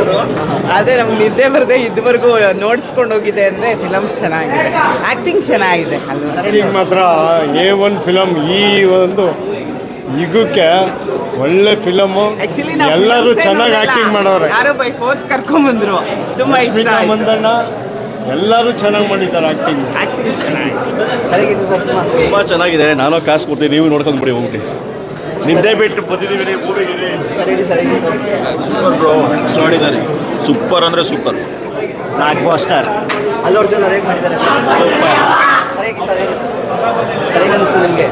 ಅವರು. ಆದರೆ ನಮ್ಗೆ ನಿದ್ದೆ ಬರದೆ ಇದುವರೆಗೂ ನೋಡಿಸ್ಕೊಂಡು ಹೋಗಿದೆ ಅಂದರೆ ಫಿಲಮ್ ಚೆನ್ನಾಗಿದೆ, ಆ್ಯಕ್ಟಿಂಗ್ ಚೆನ್ನಾಗಿದೆ ಅಲ್ವಾ. ಆ್ಯಕ್ಟಿಂಗ್ ಮಾತ್ರ A1 ಫಿಲಮ್. ಈ ಒಂದು ಯುಗಕ್ಕೆ ಒಳ್ಳೆ ಫಿಲಮು. ಆ್ಯಕ್ಚುಲಿ ಎಲ್ಲರೂ ಚೆನ್ನಾಗಿ ಆ್ಯಕ್ಟಿಂಗ್ ಮಾಡೋರೆ. ಯಾರೋ ಬೈ ಫೋರ್ಸ್ ಕರ್ಕೊಂಬಂದ್ರು, ತುಂಬ ಇಷ್ಟ ಆಯ್ತು. ಮಂದಣ್ಣ ಎಲ್ಲರೂ ಚೆನ್ನಾಗಿ ಮಾಡಿದ್ದಾರೆ ಆ್ಯಕ್ಟಿಂಗ್. ಆ್ಯಕ್ಟಿಂಗ್ ಚೆನ್ನಾಗಿದೆ. ಸರಿಗಿತ್ತು ಸರ್ ಸಿನಿಮಾ? ತುಂಬ ಚೆನ್ನಾಗಿದೆ. ನಾನು ಕಾಸು ಕೊಡ್ತೀನಿ, ನೀವು ನೋಡ್ಕೊಂಡು ಬಿಡಿ ಹೋಗ್ಬಿಟ್ಟು. ನಿದ್ದೆ ಬಿಟ್ಟು ಬಂದಿದ್ದೀವಿ ಮೂವಿಗೆ. ಸರಿಗಿತ್ತು. Super bro, extraordinary. ಸೂಪರ್ ಅಂದರೆ super. Blockbuster. Allu Arjun ಅವ್ರು ಹೇಗೆ ಮಾಡಿದ್ದಾರೆ? ಸರಿಯಾಗಿ ಅನಿಸ್ತು ನಿಮಗೆ?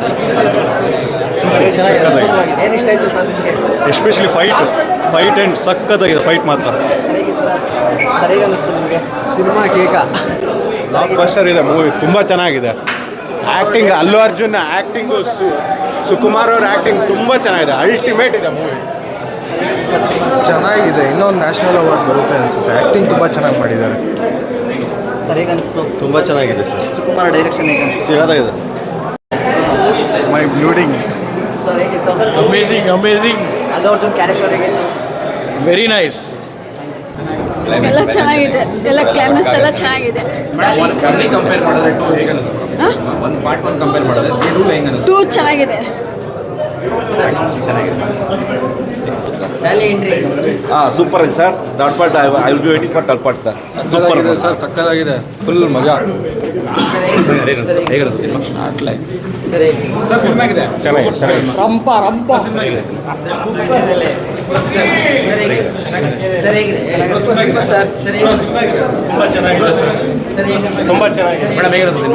ಏನು ಇಷ್ಟ ಆಯಿತು ಸರ್ ನಿಮಗೆ? ಎಸ್ಪೆಷಲಿ ಫೈಟ್ ಆ್ಯಂಡ್ ಸಖತ್ತಾಗಿದೆ. ಫೈಟ್ ಮಾತ್ರ ಸರಿಯಾಗಿತ್ತು ಸರ್. ಸರಿಯಾಗಿ ಅನಿಸ್ತು ನಿಮಗೆ? ಸಿನಿಮಾ ಕೇಕ ಬ್ಲಾಕ್ ಬಸ್ಟರ್ ಇದೆ. ಮೂವಿ ತುಂಬ ಚೆನ್ನಾಗಿದೆ. ಆ್ಯಕ್ಟಿಂಗ್ ಅಲ್ಲು ಅರ್ಜುನ್ ಆ್ಯಕ್ಟಿಂಗು, ಸುಕುಮಾರ್ ಅವ್ರ ಆ್ಯಕ್ಟಿಂಗ್ ತುಂಬ ಚೆನ್ನಾಗಿದೆ. ಅಲ್ಟಿಮೇಟ್ ಇದೆ ಮೂವಿ. ಚೆನ್ನಾಗಿದೆ. ಇನ್ನೊಂದು ನ್ಯಾಷನಲ್ ಅವಾರ್ಡ್ ಬರುತ್ತೆ ಅನಿಸುತ್ತೆ. ಆ್ಯಕ್ಟಿಂಗ್ ತುಂಬ ಚೆನ್ನಾಗಿ ಮಾಡಿದ್ದಾರೆ. ಸರಿಯಾಗಿ ಅನಿಸ್ತು. ತುಂಬ ಚೆನ್ನಾಗಿದೆ ಸರ್. ಸುಕುಮಾರ್ ಡೈರೆಕ್ಷನ್ ಹೇಗೆ ಅನಿಸ್ತು? ಸಿಗೋದಾಗಿದೆ. Mind blowing. ಸರ್ ಹೇಗಿತ್ತು? ಅಮೇಝಿಂಗ್. ಅಲ್ಲು ಅರ್ಜುನ್ ಕ್ಯಾರೆಕ್ಟರ್ ಹೇಗಿತ್ತು? Very nice. ಎಲ್ಲ ಚೆನ್ನಾಗಿದೆ, ಎಲ್ಲ ಕ್ಲೈಮ್ಯಾಕ್ಸ್ ಎಲ್ಲ ಚೆನ್ನಾಗಿದೆ. ಕಂಪೇರ್ ಮಾಡಿದ್ರೆ ಟೂ ಹೇಗೆ ಅನಿಸ್ತು? ಒಂದು ಪಾರ್ಟ್ 1 ಕಂಪೇರ್ ಮಾಡಿದ್ರೆ ಟೂ ಹೆಂಗೆ ಅನಿಸ್ತು? ಟೂ ಚೆನ್ನಾಗಿದೆ. ವ್ಯಾಲಿ ಎಂಟ್ರಿ ಸೂಪರ್ ಇದೆ sir. Third part I will be waiting for third part sir. Super sir, ಸಕ್ಕತ್ತಾಗಿದೆ. ಫುಲ್ ಮಜಾ. ಹೇಗೆ ಅನಿಸ್ತು ಸಿನಿಮಾ? ಸರಿ ಸರ್ ಸಿನಿಮಾ ಆಗಿದೆ. ಚೆನ್ನಾಗಿದೆ. ತುಂಬ ಚೆನ್ನಾಗಿದೆ. ಮೇಡಮ್ ಹೇಗೆ ಅನಿಸ್ತು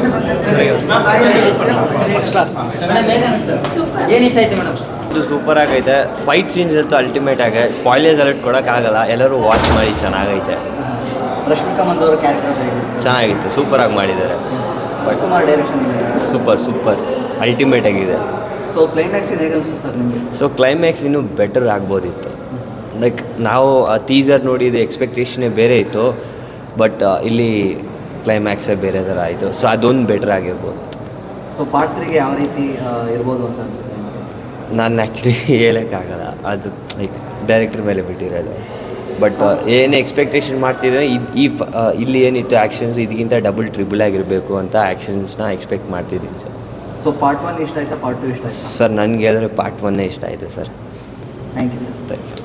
ಸಿನಿಮಾ? ಏನು ಇಷ್ಟ ಆಯ್ತು ಮೇಡಮ್? ಇದು ಸೂಪರ್ ಆಗೈತೆ. ಫೈಟ್ ಸೀನ್ಸ್ ಅಂತೂ ಅಲ್ಟಿಮೇಟ್ ಆಗಿದೆ. ಸ್ಪಾಯ್ಲರ್ಸ್ ಅಲರ್ಟ್ ಕೊಡೋಕ್ಕಾಗಲ್ಲ, ಎಲ್ಲರೂ ವಾಚ್ ಮಾಡಿ. ಚೆನ್ನಾಗೈತೆ, ರಶ್ಮಿಕಾ ಮಂದವ್ರ ಕ್ಯಾರೆಕ್ಟರ್ ಚೆನ್ನಾಗಿತ್ತು, ಸೂಪರಾಗಿ ಮಾಡಿದ್ದಾರೆ. ಸುಕುಮಾರ್ ಡೈರೆಕ್ಷನ್ ಸೂಪರ್ ಅಲ್ಟಿಮೇಟ್ ಆಗಿದೆ. ಸೊ ಕ್ಲೈಮ್ಯಾಕ್ಸ್ ಹೇಗೆ ಅನಿಸ್ತು ಸರ್ ನಿಮಗೆ? ಸೊ ಕ್ಲೈಮ್ಯಾಕ್ಸ್ ಇನ್ನೂ ಬೆಟರ್ ಆಗ್ಬೋದಿತ್ತು. ಲೈಕ್ ನಾವು ಆ ಟೀಸರ್ ನೋಡಿದ ಎಕ್ಸ್ಪೆಕ್ಟೇಷನೇ ಬೇರೆ ಇತ್ತು, ಬಟ್ ಇಲ್ಲಿ ಕ್ಲೈಮ್ಯಾಕ್ಸೇ ಬೇರೆ ಥರ ಆಯಿತು. ಸೊ ಅದೊಂದು ಬೆಟರ್ ಆಗಿರ್ಬೋದು. ಸೊ ಪಾರ್ಟ್ 3ಗೆ ಯಾವ ರೀತಿ ಇರ್ಬೋದು ಅಂತ ಅನ್ಸುತ್ತೆ? ನಾನು ಆ್ಯಕ್ಚುಲಿ ಹೇಳೋಕ್ಕಾಗಲ್ಲ, ಅದು ಲೈಕ್ ಡೈರೆಕ್ಟರ್ ಮೇಲೆ ಬಿಟ್ಟಿರೋದು. ಬಟ್ ಏನು ಎಕ್ಸ್ಪೆಕ್ಟೇಷನ್ ಮಾಡ್ತಿದ್ರೆ ಇಲ್ಲಿ ಏನಿತ್ತು ಆ್ಯಕ್ಷನ್ಸ್ ಇದಕ್ಕಿಂತ ಡಬಲ್ ಟ್ರಿಬಲ್ ಆಗಿರಬೇಕು ಅಂತ ಆ್ಯಕ್ಷನ್ಸ್ನ ಎಕ್ಸ್ಪೆಕ್ಟ್ ಮಾಡ್ತಿದ್ದೀನಿ ಸರ್. ಸೊ ಪಾರ್ಟ್ 1 ಇಷ್ಟ ಆಯ್ತಾ, ಪಾರ್ಟ್ 2 ಇಷ್ಟ ಆಯ್ತಾ? ಸರ್ ನನಗೆ ಹೇಳಿದ್ರೆ ಪಾರ್ಟ್ 1 ಇಷ್ಟ ಆಯಿತು sir. Thank you sir. Thank you.